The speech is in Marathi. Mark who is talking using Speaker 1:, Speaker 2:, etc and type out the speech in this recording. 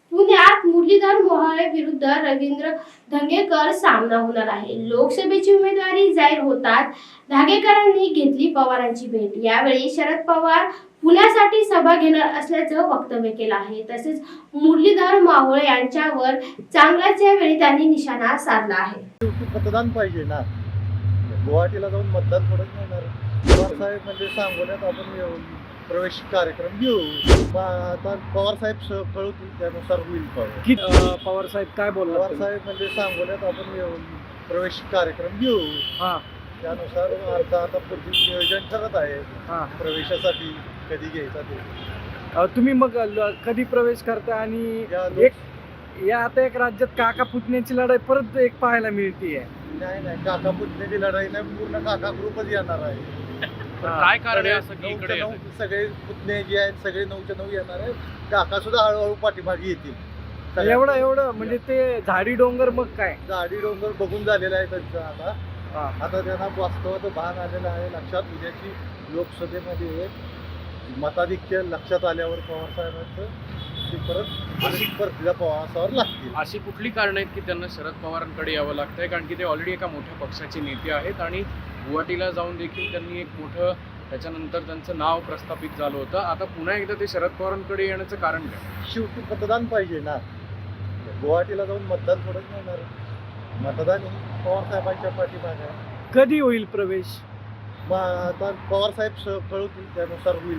Speaker 1: पुण्यात मुरलीधर मोहोळ विरुद्ध रवींद्र धंगेकर सामना होणार आहे. लोकसभेची उमेदवारी जाहीर होताच धंगेकरांनी घेतली पवारांची भेट. यावेळी शरद पवार पुण्यासाठी सभा घेणार असल्याचं वक्तव्य केलं आहे. तसेच मुरलीधर मोहोळ यांच्यावर चांगल्याच वेळी त्यांनी निशाणा साधला आहे.
Speaker 2: मतदान पाहिजे ना, गुवाहाटीला जाऊन मतदान थोडंच मिळणार. पवार साहेब म्हणजे सांगोल्यात आपण प्रवेश कार्यक्रम घेऊ. आता पवार साहेब कळवतील त्यानुसार होईल.
Speaker 3: पवार साहेब काय
Speaker 2: पवार
Speaker 3: बोलणार?
Speaker 2: साहेब म्हणजे सांगोल्यात आपण प्रवेश कार्यक्रम घेऊ.
Speaker 3: हा
Speaker 2: त्यानुसार आता पुढील नियोजन ठरत आहे
Speaker 3: हा
Speaker 2: प्रवेशासाठी कधी घ्यायचा ते.
Speaker 3: तुम्ही मग कधी प्रवेश करता? आणि या आता एक राज्यात काका पुतण्याची लढाई परत एक पाहायला मिळतीये.
Speaker 2: नाही काका पुतण्याची लढाई नाही, पूर्ण काका ग्रुपच येणार आहे.
Speaker 4: काय कारण आहे असं की इकडे
Speaker 2: सगळे पुतणे जे आहेत सगळे 9च्या 9 येणार आहे. काका सुद्धा हळूहळू पाठीमागे येतील.
Speaker 3: एवढं म्हणजे ते झाडी डोंगर मग काय
Speaker 2: झाडी डोंगर बघून झालेला आहे त्यांचा. आता त्यांना वास्तवाचं भान आलेलं आहे लक्षात. उद्याची लोकसभेमध्ये मताधिक्य लक्षात आल्यावर पवार साहेबांचं ते परत परतीला पवारांवर लागतील.
Speaker 4: अशी कुठली कारण आहेत की त्यांना शरद पवारांकडे यावं लागतंय? कारण की ते ऑलरेडी एका मोठ्या पक्षाचे नेते आहेत आणि गुवाहाटीला जाऊन देखील त्यांनी एक मोठं त्याच्यानंतर त्यांचं नाव प्रस्थापित झालं होतं. आता पुन्हा एकदा ते शरद पवारांकडे येण्याचं कारण काय?
Speaker 2: शेवटी मतदान पाहिजे ना, गुवाहाटीला जाऊन मतदान थोडंच मिळणार. मतदान हे पवार साहेबांच्या पाठीमागे आहे.
Speaker 3: कधी होईल प्रवेश?
Speaker 2: मग आता पवार साहेब कळवतील त्यानुसार होईल.